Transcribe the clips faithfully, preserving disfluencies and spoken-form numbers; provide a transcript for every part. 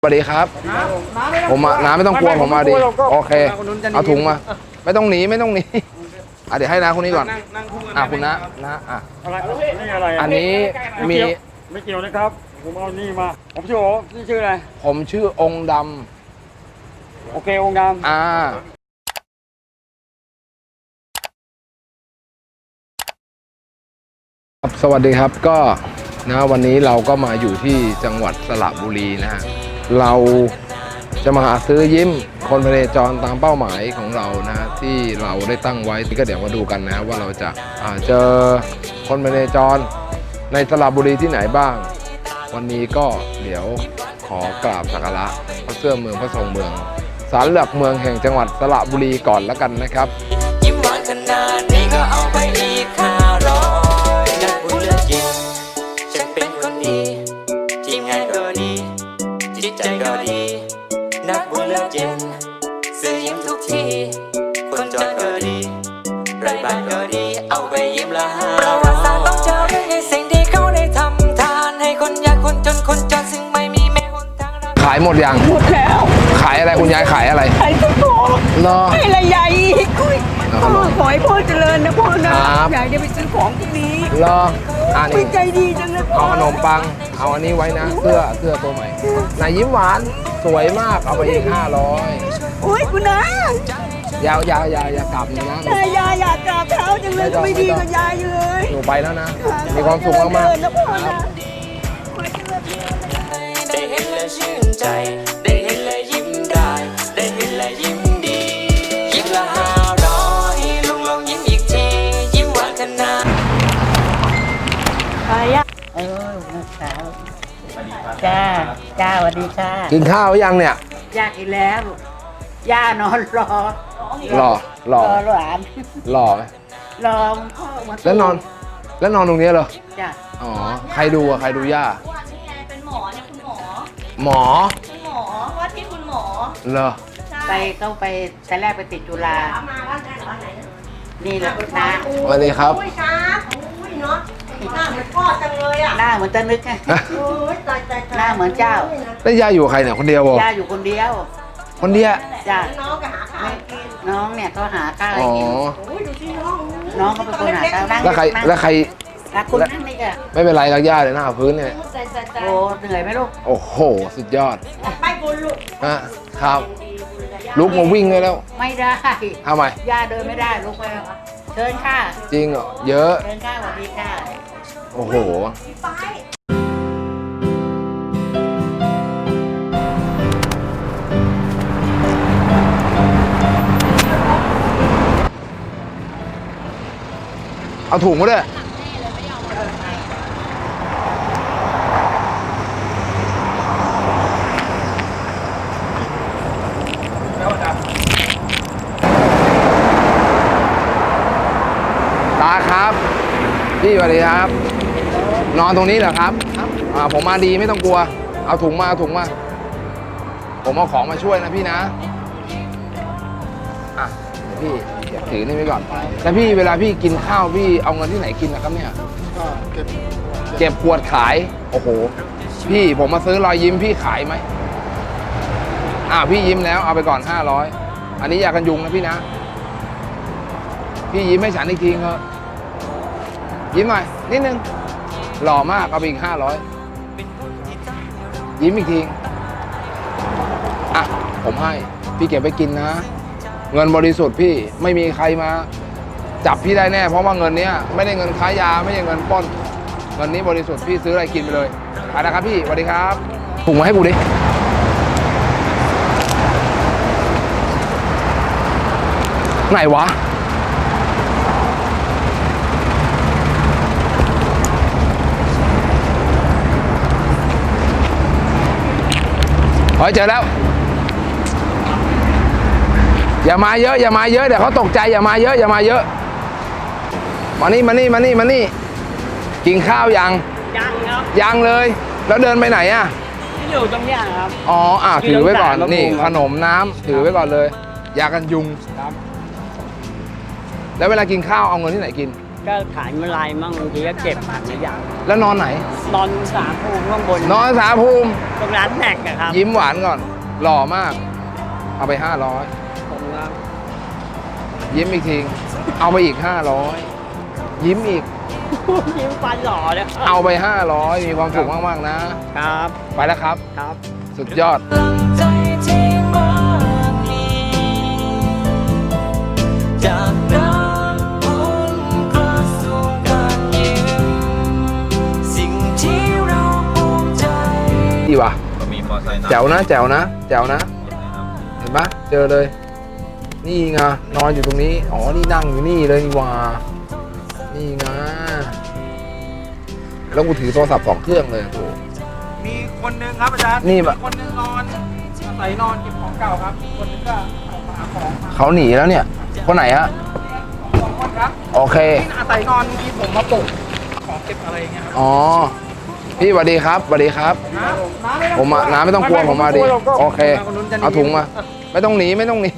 สวัสดีครับผมน้าไม่ต้องกลัวผมมาดิโอเคเอาถุงมาไม่ต้องหนีไม่ต้องหนีอ่ะเดี๋ยวให้น้าคนนี้ก่อนอ่ะคุณน้าน้าอ่ะอันนี้มีไม่เกี่ยวนะครับผมเอานี่มาผมชื่อโอ๋นี่ชื่ออะไรผมชื่อองค์ดำโอเคองค์ดำอ่าสวัสดีครับก็นะวันนี้เราก็มาอยู่ที่จังหวัดสระบุรีนะฮะเราจะมาหาซื้อยิ้มคนพเนจรตามเป้าหมายของเรานะที่เราได้ตั้งไว้ก็เดี๋ยวมาดูกันนะว่าเราจะเจอคนพเนจรในสระบุรีที่ไหนบ้างวันนี้ก็เดี๋ยวขอกราบสักการะพระเสื้อเมืองพระทรงเมืองศาลหลักเมืองแห่งจังหวัดสระบุรีก่อนแล้วกันนะครับยิ้มหวานขนาดนี้ก็เอาไปอีกห้าร้อยนักบุญเลือดจริงฉันเป็นคนดีทีมงานก็ดีจิตใจก็ดีนักบุญเลือดจริงซื้อยิ้มทุกทีคนจนก็ดีไรบ้านก็ดีเอาไปยิ้มละห้าประวัติศาสตร์ต้องเจอเรื่องในสิ่งที่เขาได้ทำทานให้คนยากคนจนคนจนซึ่งไม่มีแม้หนทางขายหมดยังหมดแล้วขายอะไรคุณยายขายอะไรขายตุ๊กโตให้ละใหญ่พ่อขอให้พ่อเจริญนะพ่อนะอยากจะไปซื้อของพวกนี้รออ่านี่ใจดีจังนะเอาขนมปังเอาอันนี้ไว้นะเสื้อเสื้อตัวใหม่นายยิ้มหวานสวยมากเอาไปอีกห้าร้อยโอ้ยคุณนะยาวยาวยาวยาวกลับนะนะยายยายอยากกราบเท้าจังเลยไม่ดีกับยายเลยหนูไปแล้วนะมีความสุขมากมากนะพ่อนะได้เห็นและชื่นใจได้เห็นและยิ้มได้ได้เห็นและยิ้มดียิ้มละห้าร้อยลุงลองยิ้มอีกทียิ้มหวานขนาดไปอ่ะเออสาวจ้าจ้าสวัสดีค่ะกินข้าวยังเนี่ยย่ากินแล้วย่านอนรอรอรอหลานรอไหมรอพ่อมาแล้วนอนแล้วนอนตรงนี้เหรอจ้าอ๋อใครดูอะใครดูย่าเป็นหมอเนี่ยคุณหมอหมอคุณหมอว่าที่คุณหมอเหรอไปเข้าไปแต่แรกไปติดจุฬามาบ้านไหนบ้านไหนนี่แหละนะสวัสดีครับอุ้ยครับอุ้ยเนาะหน้าเหมือนพ่อจังเลยอ่ะหน้าเหมือนตะนึกไงโอ้ยตายตายหน้าเหมือนเจ้าแล้วย่าอยู่ใครเนี่ยคนเดียวย่าอยู่คนเดียวคนเดียวจ้าน้องก็หาข้าวกินน้องเนี่ยก็หาข้าวอ๋อโอ้ยดูที่น้องน้องก็เป็นคนหาข้าวนั่งแล้วใครแล้วใครคุณนั่งนี่ก็ไม่เป็นไรรักย่าเลยหน้าพื้นเนี่ยโอ้เหนื่อยไหมลูกโอ้โหสุดยอดไม่บุญลูกอ่ะครับลุกมาวิ่งเลยแล้วไม่ได้ทำไมย่าเดินไม่ได้ลุกไปเชิญค่ะจริงเหรอเยอะเชิญค่ะสวัสดีค่ะโอ้โหเอาถุงมาด้วยตาครับพี่สวัสดีครับนอนตรงนี้เหรอครับอ่าผมมาดีไม่ต้องกลัวเอาถุงมาเอาถุงมาผมเอาของมาช่วยนะพี่นะอ่ะพี่ถือนี่ไว้ก่อนแล้วพี่เวลาพี่กินข้าวพี่เอาเงินที่ไหนกินนะครับเนี่ยเก็บเก็บขวดขายโอ้โหพี่ผมมาซื้อรอยยิ้มพี่ขายไหมอ่าพี่ยิ้มแล้วเอาไปก่อนห้าร้อยอันนี้ยากันยุงนะพี่นะพี่ยิ้มให้ฉันอีกทีเถอะยิ้มหน่อยนิดนึงหล่อมากเอาไปอีกห้าร้อยยิ้มอีกทีอ่ะผมให้พี่เก็บไปกินนะเงินบริสุทธิ์พี่ไม่มีใครมาจับพี่ได้แน่เพราะว่าเงินนี้ไม่ได้เงินค้ายาไม่ใช่เงินปล้นเงินนี้บริสุทธิ์พี่ซื้ออะไรกินไปเลยไปนะครับพี่สวัสดีครับถุงมาให้กูดิไหนวะเฮ้ยเจอแล้วอย่ามาเยอะอย่ามาเยอะเดี๋ยวเขาตกใจอย่ามาเยอะอย่ามาเยอะมานี่มานี่มานี่มานี่กินข้าวยังยังครับยังเลยแล้วเดินไปไหนอ่ะอยู่ตรงนี้ครับอ๋ออ่ะถือไว้ก่อนนี่ขนมน้ำถือไว้ก่อนเลยยากันยุงครับแล้วเวลากินข้าวเอาเงินที่ไหนกินก็ขายเมื่อไรมั่งบางทีก็เก็บผ่านไม่อย่างแล้วนอนไหนนอนสามภูมิข้างบนนอนสาภูมิตรงร้านแม็กอะครับยิ้มหวานก่อน หล่อมาก เอาไปห้าร้อยผมครับยิ้มอีกที เอาไปอีกห้าร้อยยิ้มอีกยิ้มฟันหล่อเลยเอาไปห้าร้อยมีความสุขมากๆนะครับไปแล้วครับครับสุดยอดกำลังใจที่มากมีจากน้ำอุ่นกระสู่การยิ้มสิ่งที่เราภูมิใจดีว่ะก็มีมอไซค์แจ๋วนะ แจ๋วนะ แจ๋วนะ เห็นปะเจอเลย นี่ไง นอนอยู่ตรงนี้ อ๋อ นี่นั่งอยู่นี่เลยนี่หว่า นี่ไง แล้วกูถือโทรศัพท์สองเครื่องเลยโอ้โหมีคนหนึ่งครับอาจารย์นี่แบบมีคนหนึงนอนอาศัยนอนเก็บของเก่าครับอีกคนหนึงก็ออกมาหาของมาเขาหนีแล้วเนี่ย คนไหนฮะสองคนครับโอเคที่อาศัยนอนที่ผมมาปลุกของเก็บอะไรอย่างเงี้ยครับอ๋อ พี่สวัสดีครับสวัสดีครับน้าน้าไต้องผมมาน้าไม่ต้องกลัวผมมาดิไต้องกลัวโอเคนนู้นจะหนีเอาถุงมา ไม่ต้องหนีไม่ต้องหนี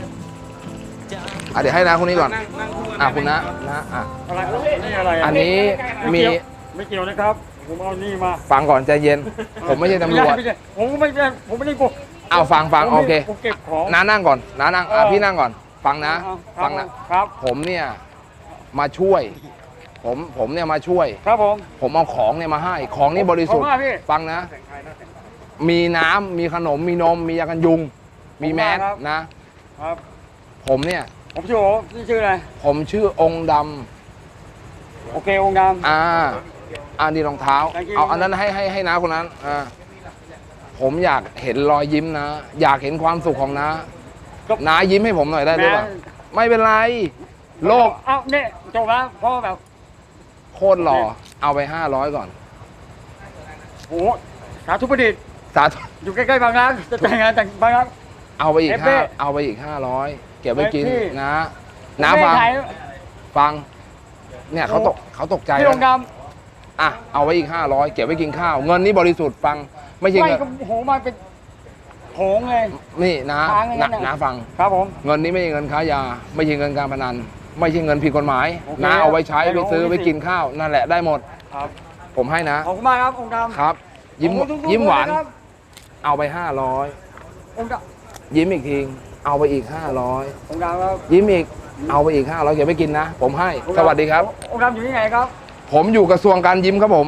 อ่ะเดี๋ยวให้น้าคนนี้ก่อนนั่งนั่งคู่กัอ่ะคุณนะนะอ่ะอะไรนี่อะไระอันนี้มีไม่เกี่ยวนะครับ ผมเอานี่มาฟังก่อนใจเย็น ผมไม่ใช่ตำรวจไม่ใช่ผมก็ไม่ใช่ผมไม่ได้กลัวเอาฟังฟังผมโอเคผมเก็บของน้านั่งก่อนน้านั่งอ่ะเออพี่นั่งก่อน ฟังนะเอาฟังนะครับผมเนี่ยมาช่วย ผมผมเนี่ยมาช่วยครับผมผมเอาของเนี่ยมาให้ ของนี่บริสุทธิ์ขอบคุณมากพี่ฟังนะ มีน้ำมีขนมมีนมมียากันยุง มีแมสขอบคุณมากครับนะครับผมเนี่ยผมชื่อโอ๋นี่ชื่ออะไรผมชื่อองค์ดำโอเคองค์ดำอ่าอ่านี่รองเท้า Thank you เอาอันนั้นให้ให้ให้น้าคนนั้นอ่าผมอยากเห็นรอยยิ้มนะ อยากเห็นความสุขของน้าก็น้ายิ้มให้ผมหน่อยได้หรือเปล่าแม้ไม่เป็นไร โลกเอ้าเนี่ยจบแล้วเพราะว่าแบบโคตรหล่อ เอาไปห้าร้อยก่อนโอ้โหสาธุประดิษฐ์สาธุอยู่ใกล้ๆบางรักจะแต่งงานแต่งบางรักเอาไปอีกเอฟเฟ่ห้าเอาไปอีกห้าร้อยเก็บไว้กินพี่นะน้าฟังไม่ขายฟัง เนี่ยเขาตกเขาตกใจพี่องค์ดนะอ่ะเอาไว้อีกห้าร้อยเก็บไว้กินข้าว เงินนี้บริสุทธิ์ฟัง ไม่ำใช่ไล่เงินก็โหมาเป็นโหงเลยนี่นะค้างอย่างนั้นะนน่ะนะฟังครับผมเงินนี้ไม่ใช่เงินค้ายา ไม่ใช่เงินการพนัน ไม่ใช่เงินผิดกฎหมายโอเคนะเอาไว้ใช้ได้ไปซื้อโอ้โหไปกินข้าว นั่นแหละได้หมดครับผมให้นะขอบคุณมากครับองค์ดำครับ ยิ้มโอ้โทุกๆยิ้มหวานเลยครับเอาไปห้าร้อยองค์ดยิ้มอีกทีเอาไปอีกห้าร้อยำองค์ดำครับยิ้มอีกเอาไปอีกห้าร้อยเก็บไว้กินนะ ผมให้องค์สวัสดีครับองค์ดำอยู่ที่ไหนครับผมอยู่กระทรวงการยิ้มครับผม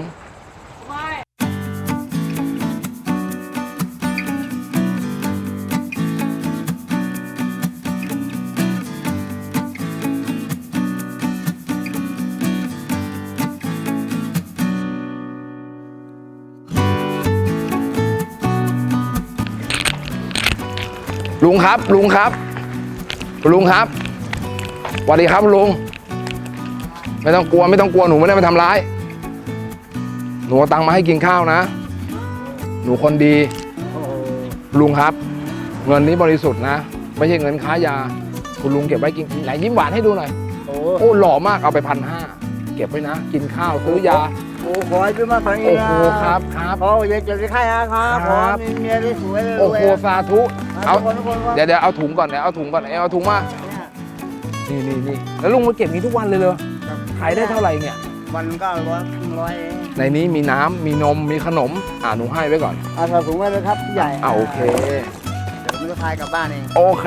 ลุงครับ ลุงครับ ลุงครับสวัสดีครับลุง ไม่ต้องกลัวไม่ต้องกลัวหนูไม่ได้มาทำร้าย หนูเอาตังค์มาให้กินข้าวนะ หนูคนดี ลุงครับ เงินนี้บริสุทธิ์นะ ไม่ใช่เงินค้ายา คุณลุงเก็บไว้กินไหนยิ้มหวานให้ดูหน่อยโอ้โอ้หล่อมากเอาไปพันห้าเก็บไว้นะ กินข้าวซื้อยาโหขอให้พี่มาฟังโอ้โหครับครับโอ้ยเจ็บที่ไข้นะครับครับมีเมียที่สวยเลยโอ้โหสาธุเอาคนทุกคนว่าเดี๋ยวเดี๋ยวเอาถุงก่อนเดี๋ยวเอาถุงก่อนเอาถุงมานี่นี่นี่แล้วลุงมาเก็บนี้ทุกวันเลยเลยขายได้เท่าไหร่เนี่ยวันก็ร้อยครึ่งร้อยเองในนี้มีน้ำมีนมมีขนมอ่าหนูให้ไว้ก่อนเอาใส่ถุงไว้เลยครับพี่ใหญ่อ่าโอเคเดี๋ยวผมจะพายกลับบ้านเองโอเค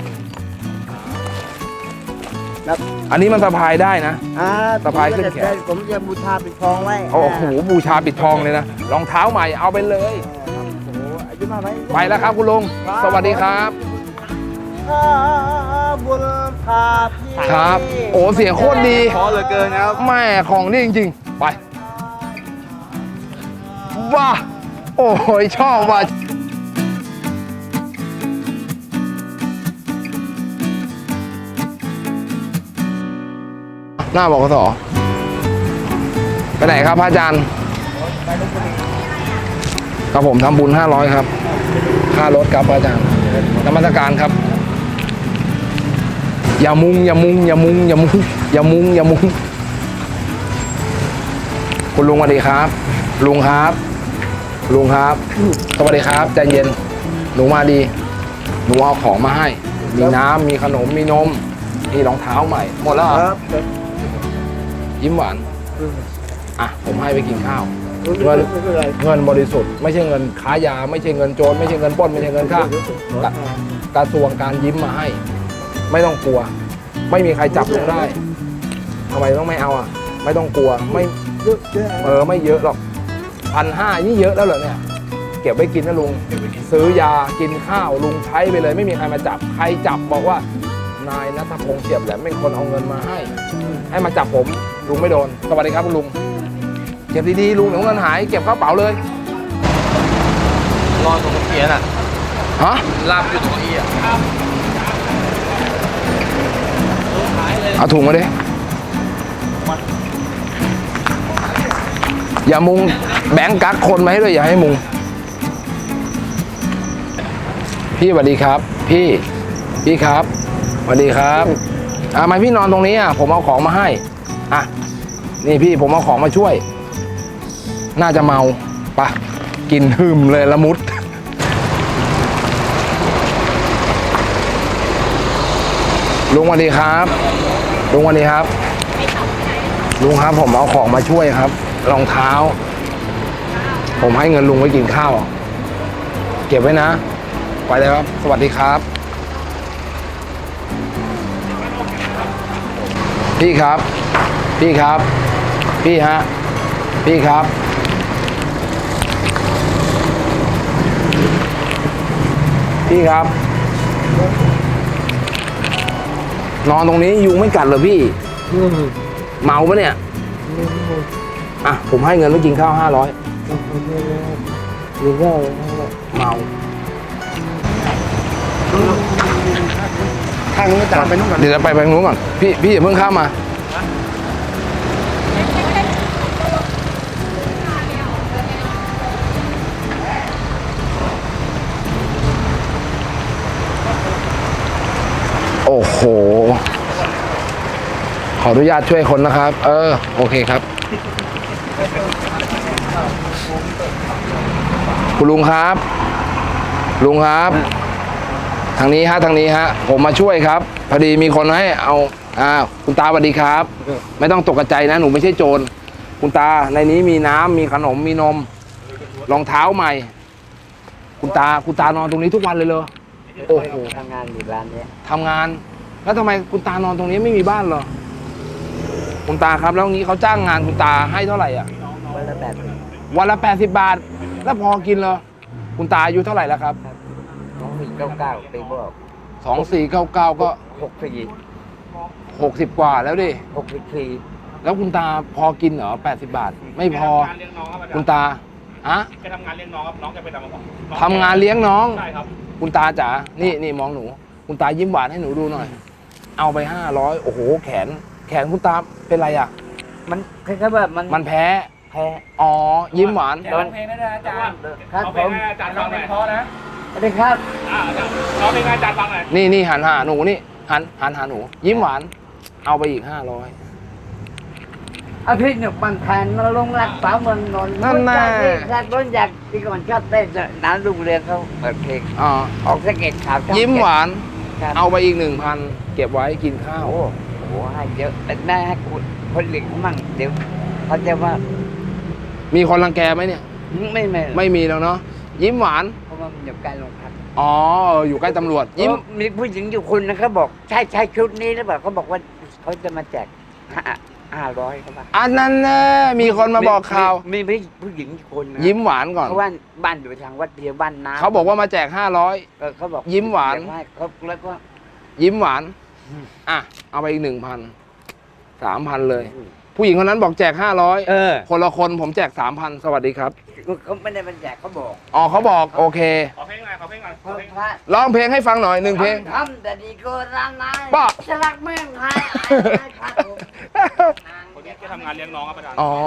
ครับอันนี้มันสะพายได้นะอ่าสะพายขึ้นแขนผมจะบูชาปิดทองไว้โอ้โหบูชาปิดทองเลยนะรองเท้าใหม่เอาไปเลยโอ้โหอายุมากไหมไปแล้วครับคุณลุงสวัสดีครับข้าบุญพาพี่ครับ โอ้เสียงโคตรดีขอเหลือเกินครับแม่ของนี่จริงๆ ไปว้าโอ้ยชอบว่ะหน้าบกสไปไหนครับพระอาจารย์กับผมทำบุญห้าร้อยครับ ค่ารถครับพระอาจารย์นมัสการครับ อย่ามุงอย่ามุงอย่ามุงอย่ามุงอย่ามุงอย่ามุงคุณลุงสวัสดีครับ ลุงครับ ลุงครับสวัสดีครับใจเย็นหนูมาดีหนูเอาของมาให้ มีน้ำมีขนมมีนมมีรองเท้าใหม่ หมดแล้วเหรอครับยิ้มหวานอ่ะผมให้ไปกินข้าวเงินเงินบริสุทธิ์ไม่ใช่เงินค้ายาไม่ใช่เงินโจรไม่ใช่เงินปล้นไม่ใช่เงินฆ่ากระทรวงการยิ้มมาให้ ไม่ต้องกลัว ไม่มีใครจับลุงได้ทำไมต้องไม่เอาอ่ะไม่ต้องกลัวไม่เออไม่เยอะหรอกพันห้านี่เยอะแล้วเหรอเนี่ยเก็บไว้กินนะลุงซื้อยากินข้าวลุงใช้ไปเลยไม่มีใครมาจับใครจับบอกว่านายณัฐพงษ์เฉียบแหลมเป็นคนเอาเงินมาให้ให้มาจับผมลุงไม่โดนสวัสดีครับคุณลุงเก็บดีๆลุงเดี๋ยวเงินหายเก็บเข้าเป๋าเลยรอตรงเกียร์น่ะฮะลามอยู่ตรงเกียร์ครับเอาถุงมาดิอย่ามุงแบงก์กักคนมาให้ด้วยอย่าให้มุงพี่สวัสดีครับ พี่พี่ครับสวัสดีครับอ่าทำไมพี่นอนตรงนี้อ่ะผมเอาของมาให้อ่ะนี่พี่ผมเอาของมาช่วย น่าจะเมาปะกินหึมเลยละมุดลุงสวัสดีครับลุงสวัสดีครับลุงครับผมเอาของมาช่วยครับรองเท้า ผมให้เงินลุงไว้กินข้าวเก็บไว้นะไปเลยครับสวัสดีครับพี่ครับพี่ครับพี่ฮะพี่ครับพี่ครับนอนตรงนี้ยุงไม่กัดเหรอพี่เมาปะเนี่ยอ่ะผมให้เงินไว้กินข้าวห้าร้อยเมาทางนู้นตามไปนู้นก่อนเดี๋ยวจะไปไปนู้นก่อนพี่พี่อย่าเพิ่งข้ามมาโอ้โหขออนุญาตช่วยคนนะครับ เออโอเคครับคุณลุงครับลุงครับทางนี้ฮะทางนี้ฮะผมมาช่วยครับพอดีมีคนให้เอาอ่าคุณตาสวัสดีครับ ไม่ต้องตกใจนะหนูไม่ใช่โจรคุณตาในนี้มีน้ำมีขนมมีนมรองเท้าใหม่คุณตาคุณตานอนตรงนี้ทุกวันเลยเหรอโอ้โหทำงานอยู่ร้านนี้ทำงานแล้วทำไมคุณตานอนตรงนี้ไม่มีบ้านเหรอคุณตาครับแล้วงี้เขาจ้างงานคุณตาให้เท่าไหร่อ่ะวันละแปดวันละแปดสิบบาทแล้วพอกินเหรอคุณตาอายุเท่าไหร่แล้วครับสองสี่เก้าเก้าปีบอกสองสี่เก้าเก้าก็หกสี่หกสิบกว่าแล้วดิหกสิบสี่แล้วคุณตาพอกินเหรอแปดสิบบาท ไม่พอทำงานเลี้ยงน้องครับอาจารย์คุณตาอะแกทำงานเลี้ยงน้องครับน้องแกไปทำมาก่อนทำงานเลี้ยงน้องใช่ครับคุณตาจ๋านี่นี่มองหนู คุณตายิ้มหวานให้หนูดูหน่อย เอาไปห้าร้อยโอ้โหแขน แขนคุณตาเป็นไรอ่ะมันคล้ายๆแบบมันมันแพ้แพ้อ๋อยิ้มหวานร้องเพลงได้นะอาจารย์ครับเอาเพผลงมให้อาจารย์ฟังหน่อยเพราะนะสวัสดีครับอ่าอาจารย์ร้องเพลงให้อาจารย์ฟังหน่อยนี่นี่หันหาหนูนี่หันหันหาหนู ยิ้มหวาน เอาไปอีกห้าร้อยอาทิตย์หนึ่งบางแผนมาลงรักสาวเมืองนนท์นั่นแน่รักร้นอยากที่ก่อนชอบเต้นน้ำลุงเรืองเขาเปิดเพลงอ๋อออกสะเก็ดขาวช่องยิ้มหวานครับเอาไปอีกหนึ่งพันเก็บไว้กินข้าวโอ้โหให้เยอะแต่ได้ให้คนคนหลีกมั่งเดี๋ยวเขาจะว่ามีคนรังแกไหมเนี่ยไม่ไม่ไม่มีแล้วเนาะยิ้มหวานเพราะว่ามันอยู่ใกล้โรงพักอ๋ออยู่ใกล้ตำรวจยิ้มเออมีผู้หญิงอยู่คนนะเขาบอกใช่ใช่ชุดนี้หรือเปล่าเขาบอกว่าเขาจะมาแจกห้าห้าร้อยเขาบอกอันนั้นแน่มีคนมาบอกข่าวมีมีผู้หญิงอีกคนนะยิ้มหวานก่อนเพราะว่าบ้านอยู่ทางวัดเพียวบ้านน้ำเขาบอกว่ามาแจกห้าร้อยเออเขาบอกยิ้มหวานเดี๋ยให้เขาแล้วก็ยิ้มหวานอืมอ่ะเอาไปอีกหนึ่งพันสามพันเลย ผู้หญิงคนนั้นบอกแจกห้าร้อยเออคนละคนผมแจกสามพันสวัสดีครับเขาไม่ได้มาแจกเขาบอกอ๋อเขาบอกโอเคขอเพลงหน่อยขอเพลงหน่อยขเพอราะเพลงพระร้องเพลงให้ฟังหน่อยหนึ่งเพลงทำแต่ดีก็ร้านนายป้าจะรักเมืองไทยไอ้พระองค์คนนี้แกทำงานเลี้ยงน้องครับอาจารย์อ๋อ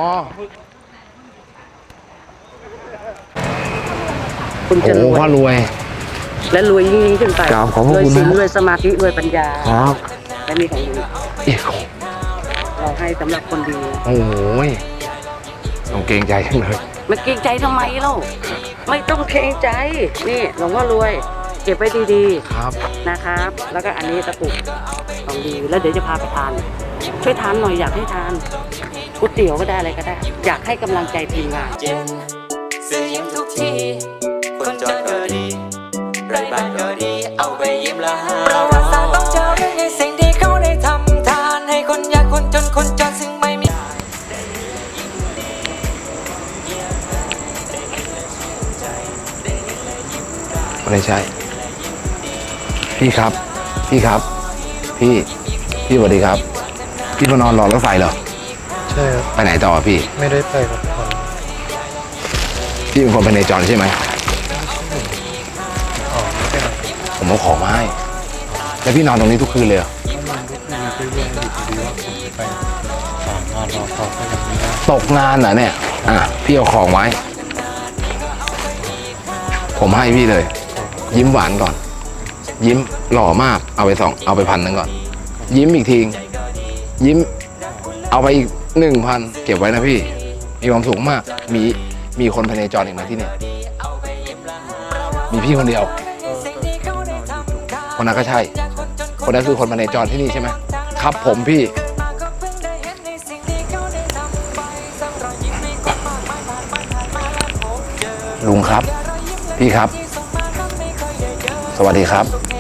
คุณโอ้จะโหรวยพ่อรวยและรวยยิ่งๆขึ้นไปกราบขอบพระรวยคุณศีลนะรวยสมาธิรวยปัญญาครับและมีของดีเอ๊ะเราให้สำหรับคนดีโอ้ยต้องเกรงใจจังเลยมันเกรงใจทำไมเล่าไม่ต้องเกรงใจ นี่หลวงพ่อรวย เก็บไว้ดีครับๆนะครับ แล้วก็อันนี้ตะกรุดของดีแล้วเดี๋ยวจะพาไปทานช่วยทานหน่อยอยากให้ทานก๋วยเตี๋ยวก็ได้อะไรก็ได้ อยากให้กำลังใจทีมงานเย็นซื้อยิ้มทุกทีคนจนก็ดีไรบ้านก็ดีเอาไปยิ้มละหาประวัติศาสตร์ต้องเจอเรื่องในสิ่งที่เขาได้ทำทานให้คนยากคนจนคนจนซึ่งไม่มีไม่ใช่ พี่ครับ พี่ครับ พี่ พี่สวัสดีครับ พี่มานอนรอรถไฟเหรอใช่ครับไปไหนต่อพี่ไม่ได้ไปครับผมพี่เป็นคนพเนจรใช่ไหมอ๋อไม่เป็นไรผมเอาของมาให้ แล้วพี่นอนตรงนี้ทุกคืนเลยเหรอมันก็คือมีเรื่องอยู่ดีว่าผมจะไปสามงานรอเขาก็ยังไม่ได้ตกงานเหรอเนี่ย อ่ะ พี่เอาของไว้ ผมให้พี่เลย ยิ้มหวานก่อน ยิ้มหล่อมาก เอาไปสอง เอาไปพันหนึ่งก่อน ยิ้มอีกที ยิ้ม เอาไปอีกหนึ่งพัน เก็บไว้นะพี่ มีความสุขมาก มี มีคนพเนจรอีกไหมที่เนี่ย มีพี่คนเดียว คนนั้นก็ใช่ คนนั้นคือคนพเนจรที่นี่ใช่ไหม ครับผมพี่ ลุงครับ พี่ครับ สวัสดีครับ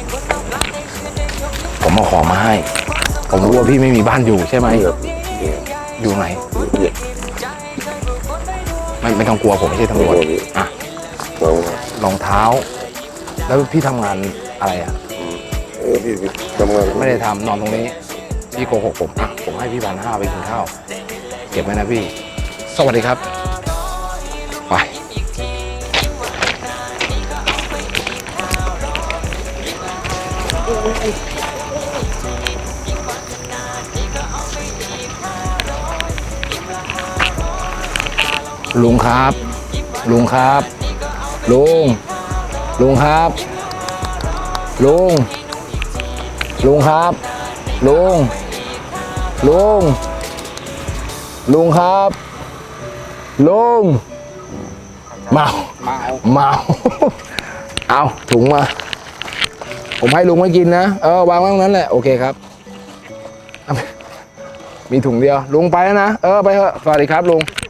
ผมเอาของมาให้ ผมรู้ว่าพี่ไม่มีบ้านอยู่ใช่ไหม อยู่ไหน ไม่ไม่ต้องกลัวผมไม่ใช่ตำรวจอ่ะรองเท้า แล้วพี่ทำงานอะไรอ่ะทำงานไม่ได้ทำนอนตรงนี้ พี่โกหกผมอ่ะผมให้พี่พันห้าไปกินข้าว เก็บไว้นะพี่ สวัสดีครับ ไป ลุงครับ ลุงครับ ลุง ลุงครับ ลุง ลุงครับ ลุง ลุง ลุงครับ ลุง เมาเมาเมา เอาถุงมา ผมให้ลุงไม่กินนะ เออ วางไว้ตรงนั้นแหละ โอเคครับ มีถุงเดียว ลุงไปแล้วนะ เออ ไปเถอะ สวัสดีครับลุง